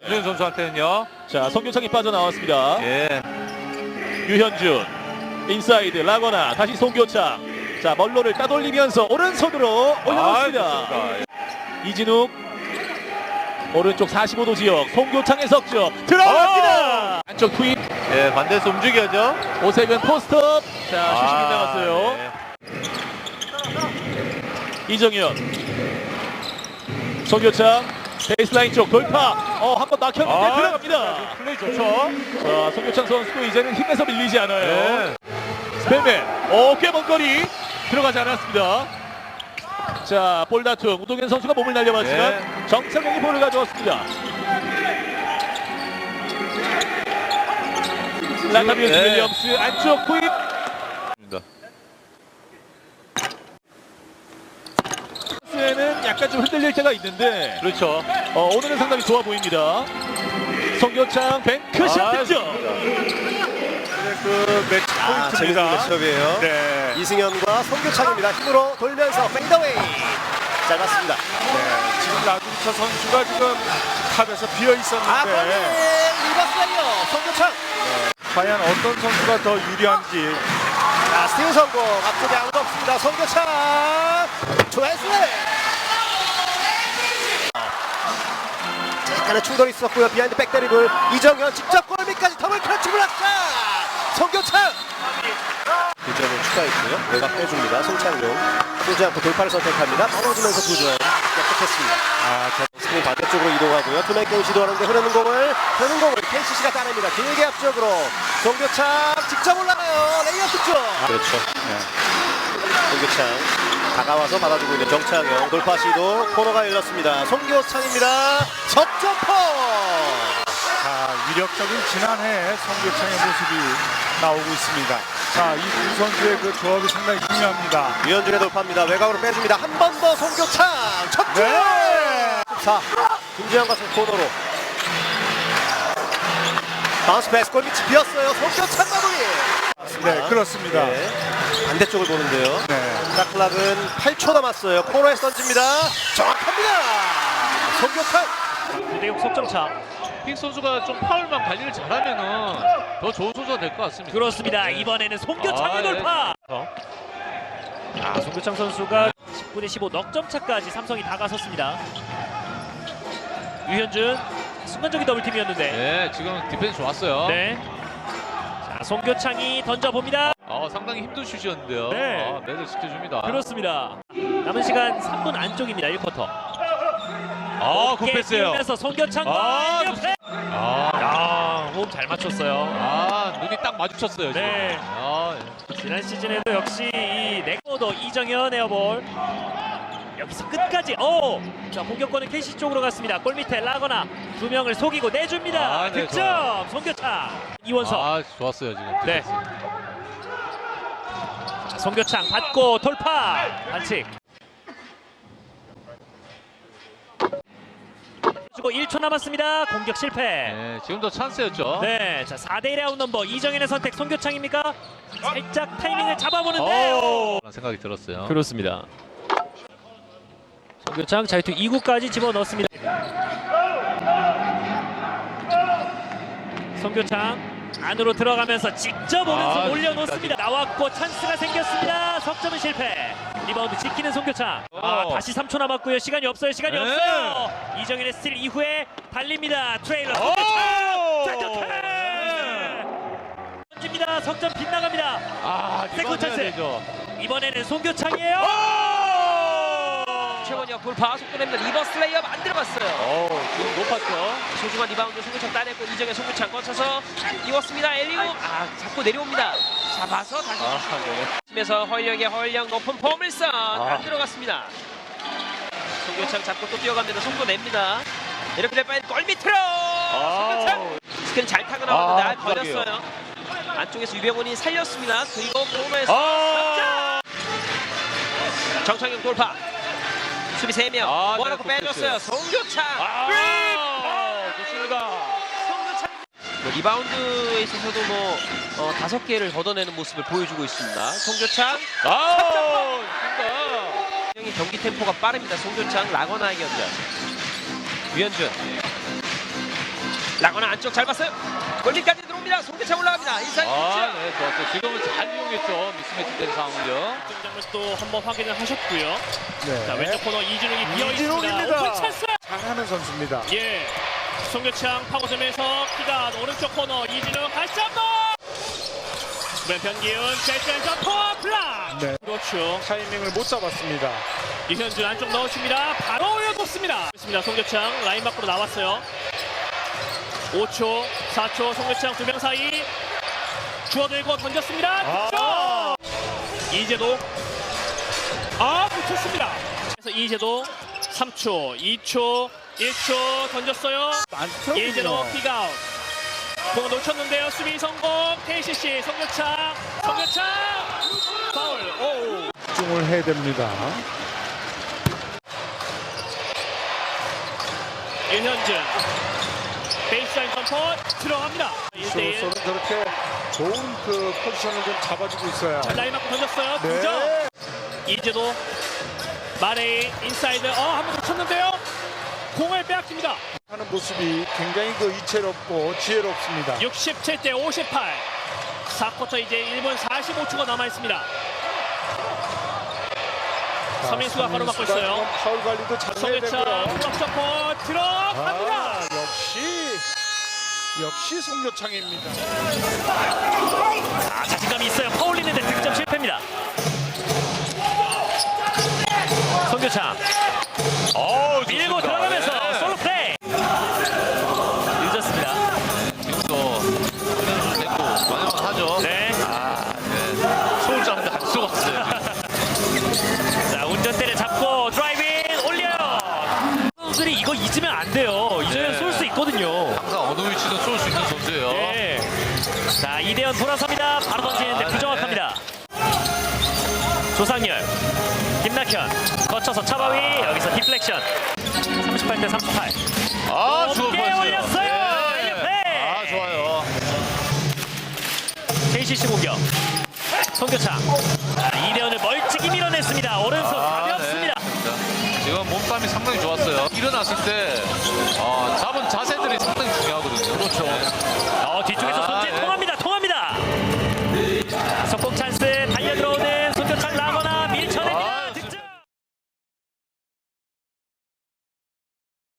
유현 선수한테는요. 자, 송교창이 빠져나왔습니다. 예. 유현준 인사이드 라거나 다시 송교창. 자, 멀로를 따돌리면서 오른손으로 올려놓습니다. 좋습니다. 이진욱 오른쪽 45도 지역 송교창의 석점 들어갑니다. 안쪽 투입 예, 반대에서 움직여죠. 오세근 포스트업. 자, 슈팅이 나갔어요. 네. 이정현 송교창 베이스라인 쪽 돌파. 한 번 막혔는데 들어갑니다. 플레이 좋죠. 자, 송교창 선수도 이제는 힘에서 밀리지 않아요. 네. 스페맨 꽤 먼 거리 들어가지 않았습니다. 자, 볼 다툼 우동현 선수가 몸을 날려봤지만 정창용이 볼을 가져왔습니다. 라타비우스 윌리엄스 안쪽 투입. 에는 약간 좀 흔들릴 때가 있는데 그렇죠. 오늘은 상당히 좋아 보입니다. 송교창 뱅크샷 득점. 그 매치 재밌는 포인트입니다. 매치업이에요. 네. 이승현과 송교창입니다. 힘으로 돌면서 페이더웨이 짧았습니다. 네. 지금 라두리차 선수가 지금 탑에서 비어 거기 있었는데 리버스 라이어 송교창. 과연 어떤 선수가 더 유리한지. 자, 스틸 성공. 앞쪽에 아무도 없습니다. 송교창 좋아했어요. 약간의 충돌이 있었고요. 비하인드 백드리블 이정현 직접 골밑까지 더블 클러치 블락샷. 송교창 득점을 추가했고요. 외곽 빼줍니다. 송창용 쏘지 않고 돌파를 선택합니다. 떨어지면서 2점 깨끗했습니다. 스크린 반대쪽으로 이동하고요. 투맨 게임 시도하는데 흐르는 공을 KCC가 따냅니다. 길게 앞쪽으로 송교창 직접 올라가요. 레이업 득점. 그렇죠. 송교창 다가와서 받아주고 있는 정창영 돌파 시도 코너가 열렸습니다. 송교창입니다. 석점포. 자, 위력적인 지난해 송교창의 모습이 나오고 있습니다. 자, 이 두 선수의 그 조합이 상당히 중요합니다. 유현준의 돌파입니다. 외곽으로 빼줍니다. 한 번 더 송교창 첫 점. 네. 자, 김재현 같은 코너로 바운스 패스 골밑이 비었어요. 송교창 마무리. 네, 그렇습니다. 네. 반대쪽을 보는데요. 네. 샤클락은 8초 남았어요. 코너에서 던집니다. 정확합니다. 송교창. 9대6 석점차. 픽 선수가 좀 파울만 관리를 잘하면은 더 좋은 선수가 될 것 같습니다. 그렇습니다. 이번에는 송교창의 돌파. 송교창 선수가 19대 15 넉점 차까지 삼성이 다가섰습니다. 유현준 순간적인 더블팀이었는데. 네, 지금 디펜스 좋았어요. 네. 자, 송교창이 던져봅니다. 상당히 힘든 슛이었는데요. 네. 매를 지켜줍니다. 그렇습니다. 남은 시간 3분 안쪽입니다. 1쿼터. 굿패스예요. 띄우면서 송교창과 옆에. 호흡 잘 맞췄어요. 눈이 딱 마주쳤어요. 지금. 네. 지난 시즌에도 역시 이 네코더 이정현 에어볼. 여기서 끝까지 자, 공격권은 KC 쪽으로 갔습니다. 골밑에 라거나 두 명을 속이고 내줍니다. 네, 득점 좋아요. 송교창. 이원석. 좋았어요 지금. 네. 디펜스. 자, 송교창 받고 돌파 반칙. 주고 1초 남았습니다. 공격 실패. 네, 지금도 찬스였죠. 네, 자 4대1의 아웃 넘버 이정현의 선택 송교창입니까? 살짝 타이밍을 잡아보는데요. 그런 생각이 들었어요. 그렇습니다. 송교창 자유투 2구까지 집어넣습니다. 송교창 안으로 들어가면서 직접 오른손 올려놓습니다. 나왔고 찬스가 생겼습니다. 석점은 실패. 리바운드 지키는 송교창. 다시 3초 남았고요. 시간이 없어요. 이정현의 스틸 이후에 달립니다. 트레일러 송교창. 던집니다. 석점 빗나갑니다. 세컨 찬스. 이번에는 송교창이에요. 최원혁 돌파 속도 냅니다. 리버스 레이업 안 들어갔어요. 지금 높았죠. 소중한 리바운드 송교창 따냈고 이정현 송교창 거쳐서 이웠습니다. 엘리우 잡고 내려옵니다. 잡아서 다시 팀에서 허일영의 높은 포물선 안 들어갔습니다. 송교창 잡고 또 뛰어갑니다. 속도 냅니다. 이렇게 될 바엔 골 밑으로 송교창 스크린 잘 타고 나왔는데 걸렸어요. 안쪽에서 유병훈이 살렸습니다. 그리고 코너에서 정창용 돌파. 수비 3명 모아놓고 빼줬어요. 송교창 좋습니다. 리바운드에 있어서도 5개를 걷어내는 모습을 보여주고 있습니다. 송교창 경기 템포가 빠릅니다. 송교창 라거나의 연결. 유현준 라거나 안쪽 잘 봤어요. 골밑까지 들어옵니다. 송교창 올라갑니다. 인사이드 아, 네. 네, 좋았어요. 지금은 잘 이용했죠. 미스매치 된 상황을요. 장면도 한번 확인을 하셨고요. 네. 자, 왼쪽 코너 이진웅이 비어 이진웅입니다. 있습니다. 오픈 찬스. 잘하는 선수입니다. 예. 송교창 파고점에서 키가 오른쪽 코너 이진웅 다시 한번. 왼편 기운 짤짤 퍼 플라. 네. 그렇죠. 타이밍을 못 잡았습니다. 이현준 안쪽 넣어줍니다. 바로 올려놓습니다. 있습니다. 송교창 라인 밖으로 나왔어요. 5초, 4초 송교창 두 명 사이 주워들고 던졌습니다. 득점! 이재도 붙였습니다. 그래서 이재도 3초, 2초, 1초 던졌어요. 이재도 픽아웃. 공 놓쳤는데요. 수비 성공. KCC 송교창 파울. 오. 집중을 해야 됩니다. 이현준 베이스라인 점퍼 들어갑니다. 1대1 쇼서는 저렇게 좋은 그 포지션을 좀 잡아주고 있어요. 라인 맞고 던졌어요. 네. 2점. 이제도 마레이 인사이드 한번 놓쳤는데요. 공을 빼앗깁니다. 하는 모습이 굉장히 그 이채롭고 지혜롭습니다. 67대 58. 4쿼터 이제 1분 45초가 남아 있습니다. 서민수가 가로막고 있어요. 파울 관리도 잘 해야 송교창 되고요. 점퍼 들어갑니다. 역시 송교창입니다. 자신감이 있어요. 파울리는데 득점 실패입니다. 송교창 밀고 들어가면서 솔로 플레이. 늦었습니다. 지금도 그냥 좀 됐고 마지막 하죠. 네. 소울 잡는데 할 수가 없어요. 자, 운전대를 잡고 드라이빙 올려요. 선수들이 이거 잊으면 안 돼요. 잊으면 쏠 수 있거든요. 항상 어느 위치든 쏠 수 있는 선수예요. 네. 자, 이대현 돌아섭니다. 바로 던지는데 부정확합니다. 조상열, 김낙현 거쳐서 차바위 여기서 디플렉션. 38대 38. 좋은 높게 패스요. 올렸어요. 네. 좋아요. KCC 공격. 송교창. 이대현을 멀찍이 밀어냈습니다. 오른손 가볍습니다. 네. 지금 몸싸움이 상당히 좋았어요. 일어났을 때 잡은 자세들이 상당히 중요하거든요. 그렇죠.